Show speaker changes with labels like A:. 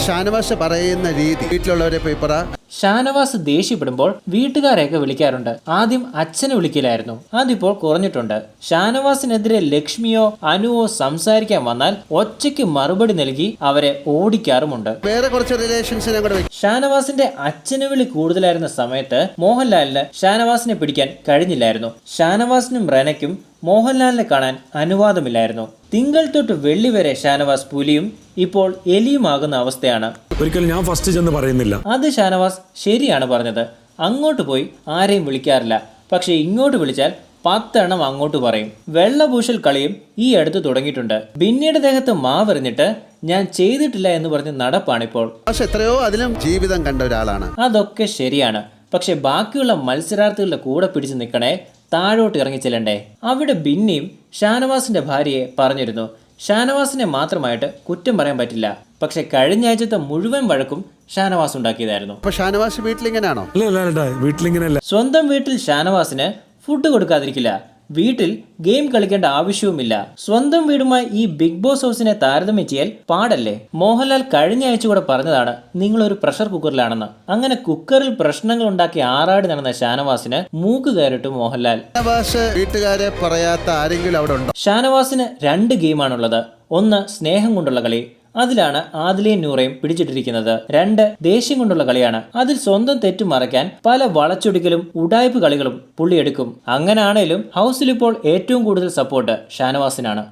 A: ഷാനവാസ് പറയുന്ന രീതി വീട്ടിലുള്ളവരെ പോയി പറ.
B: ഷാനവാസ് ദേഷ്യപ്പെടുമ്പോൾ വീട്ടുകാരെയൊക്കെ വിളിക്കാറുണ്ട്. ആദ്യം അച്ഛനെ വിളിക്കലായിരുന്നു, അതിപ്പോൾ കുറഞ്ഞിട്ടുണ്ട്. ഷാനവാസിനെതിരെ ലക്ഷ്മിയോ അനുവോ സംസാരിക്കാൻ വന്നാൽ ഒറ്റയ്ക്ക് മറുപടി നൽകി അവരെ ഓടിക്കാറുമുണ്ട്.
A: വേറെ കുറച്ച് റിലേഷൻസിനെ കൂടെ
B: ഷാനവാസിന്റെ അച്ഛന് വിളി കൂടുതലായിരുന്ന സമയത്ത് മോഹൻലാലിന് ഷാനവാസിനെ പിടിക്കാൻ കഴിഞ്ഞില്ലായിരുന്നു. ഷാനവാസിനും റെനയ്ക്കും മോഹൻലാലിനെ കാണാൻ അനുവാദമില്ലായിരുന്നു. തിങ്കൾ തൊട്ട് വെള്ളി വരെ ഷാനവാസ് പുലിയും ഇപ്പോൾ എലിയുമാകുന്ന അവസ്ഥയാണ്.
C: ഒരിക്കലും ഞാൻ ഫസ്റ്റ് ചെന്ന് പറയുന്നില്ല.
B: അത് ഷാനവാസ് ശരിയാണ് പറഞ്ഞത്. അങ്ങോട്ട് പോയി ആരെയും വിളിക്കാറില്ല. പക്ഷെ ഇങ്ങോട്ട് വിളിച്ചാൽ 10 എണ്ണം അങ്ങോട്ട് പറയും. വെള്ളപൂശൽ കളിയും ഈ അടുത്ത് തുടങ്ങിയിട്ടുണ്ട്. ബിന്നിയുടെ ദേഹത്ത് മാവെറിഞ്ഞിട്ട് ഞാൻ ചെയ്തിട്ടില്ല എന്ന് പറഞ്ഞ് നടപ്പാണിപ്പോൾ.
A: പക്ഷെ എത്രയോ അതിലും ജീവിതം കണ്ട ഒരാളാണ്.
B: അതൊക്കെ ശരിയാണ്. പക്ഷെ ബാക്കിയുള്ള മത്സരാർത്ഥികളുടെ കൂടെ പിടിച്ചു നിൽക്കണേ, താഴോട്ട് ഇറങ്ങി ചെല്ലണ്ടേ. അവിടെ ബിന്നിയും ഷാനവാസിന്റെ ഭാര്യയെ പറഞ്ഞിരുന്നു. ഷാനവാസിനെ മാത്രമായിട്ട് കുറ്റം പറയാൻ പറ്റില്ല. പക്ഷെ കഴിഞ്ഞ ആഴ്ചത്തെ മുഴുവൻ വഴക്കും ഷാനവാസ് ഉണ്ടാക്കിയതായിരുന്നു.
A: ഷാനവാസ് വീട്ടിലിങ്ങനെയാണോ?
C: വീട്ടിലിങ്ങനെയല്ല.
B: സ്വന്തം വീട്ടിൽ ഷാനവാസിന് ഫുഡ് കൊടുക്കാതിരിക്കില്ല. വീട്ടിൽ ഗെയിം കളിക്കേണ്ട ആവശ്യവുമില്ല. സ്വന്തം വീടുമായി ഈ ബിഗ് ബോസ് ഹൗസിനെ താരതമ്യം ചെയ്യൽ പാടല്ലേ? മോഹൻലാൽ കഴിഞ്ഞ ആഴ്ച കൂടെ പറഞ്ഞതാണ് നിങ്ങളൊരു പ്രഷർ കുക്കറിലാണെന്ന്. അങ്ങനെ കുക്കറിൽ പ്രശ്നങ്ങൾ ഉണ്ടാക്കി ആറാടി നടന്ന ഷാനവാസിന് മൂക്ക് കയറിട്ടു മോഹൻലാൽ.
A: വീട്ടുകാരെ പറയാത്ത ആരെങ്കിലും അവിടെ ഉണ്ടോ?
B: ഷാനവാസിന് 2 ഗെയിമാണുള്ളത്. ഒന്ന് സ്നേഹം കൊണ്ടുള്ള കളി, അതിലാണ് ആദിലയും നൂറയും പിടിച്ചിട്ടിരിക്കുന്നത്. 2 ദേഷ്യം കൊണ്ടുള്ള കളിയാണ്. അതിൽ സ്വന്തം തെറ്റു മറയ്ക്കാൻ പല വളച്ചൊടിക്കലും ഉടായ്പ് കളികളും പുള്ളിയെടുക്കും. അങ്ങനാണേലും ഹൗസിൽ ഇപ്പോൾ ഏറ്റവും കൂടുതൽ സപ്പോർട്ട് ഷാനവാസിനാണ്.